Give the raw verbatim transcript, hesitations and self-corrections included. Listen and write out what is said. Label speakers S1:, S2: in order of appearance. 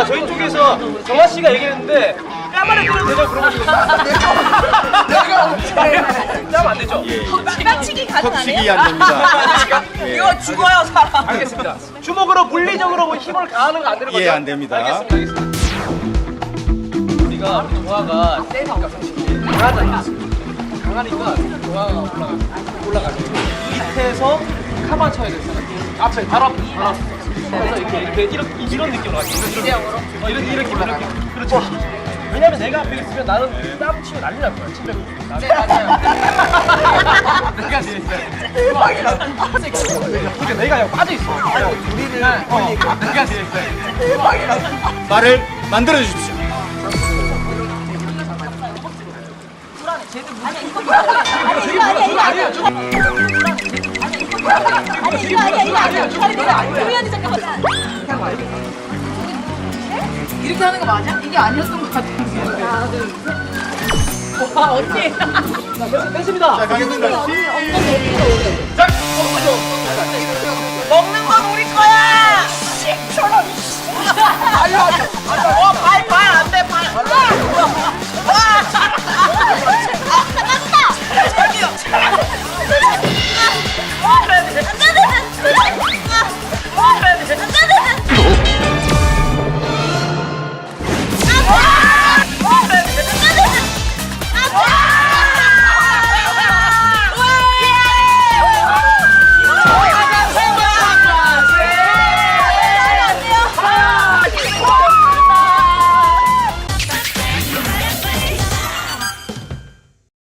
S1: 저희 쪽에서 정아 씨가 얘기했는데 뺨을 때려도 되냐고 물어보시는데
S2: 내가 언제
S1: 뺨 안 되죠?
S3: 빡치기 가능하네요?
S4: 턱치기 안 됩니다.
S3: 이거 죽어요 사람.
S1: 알겠습니다. 주먹으로 물리적으로 뭐 힘을 가하는 거 안 되는 거죠?
S4: 예, 안 됩니다.
S1: 알겠습니다. 알겠습니다. 우리가 우리 동아가 세니까 솔직히 강하잖아. 강하니까 동아가 올라가 올라가죠. 밑에서 카만 쳐야 돼. 앞에 바로 앞에 바로 앞에. 그래서 이렇게 이렇게 이런 이런 느낌으로 가죠.
S3: 이대형으로?
S1: 어, 이런 이렇게 이렇게. 그렇죠. 왜냐면 내가 앞에 있으면 나는 땀 치고 난리 날 거야. 침뱉고.
S3: 네 맞아요.
S1: 내가 제일 대박이다. 그러니까 내가 여기 빠져 있어.
S2: 우리를 보니까
S1: 내가 제일
S2: 대박이다.
S4: 말을 만들어 주십시오.
S3: 아니 이거 아니야 이거 아니야. 아니 이거 아니야 이거 아니야. 아니 내가 조연이 잠깐만. 이렇게 하는 거 맞아? 이게 아니었던 것 같아. 하나 둘 셋. 와 언니.
S1: 됐습니다.
S4: 자, 가겠습니다.
S1: 자,
S3: 먹는 건 우리 거야. 십 천 원.
S2: 알려.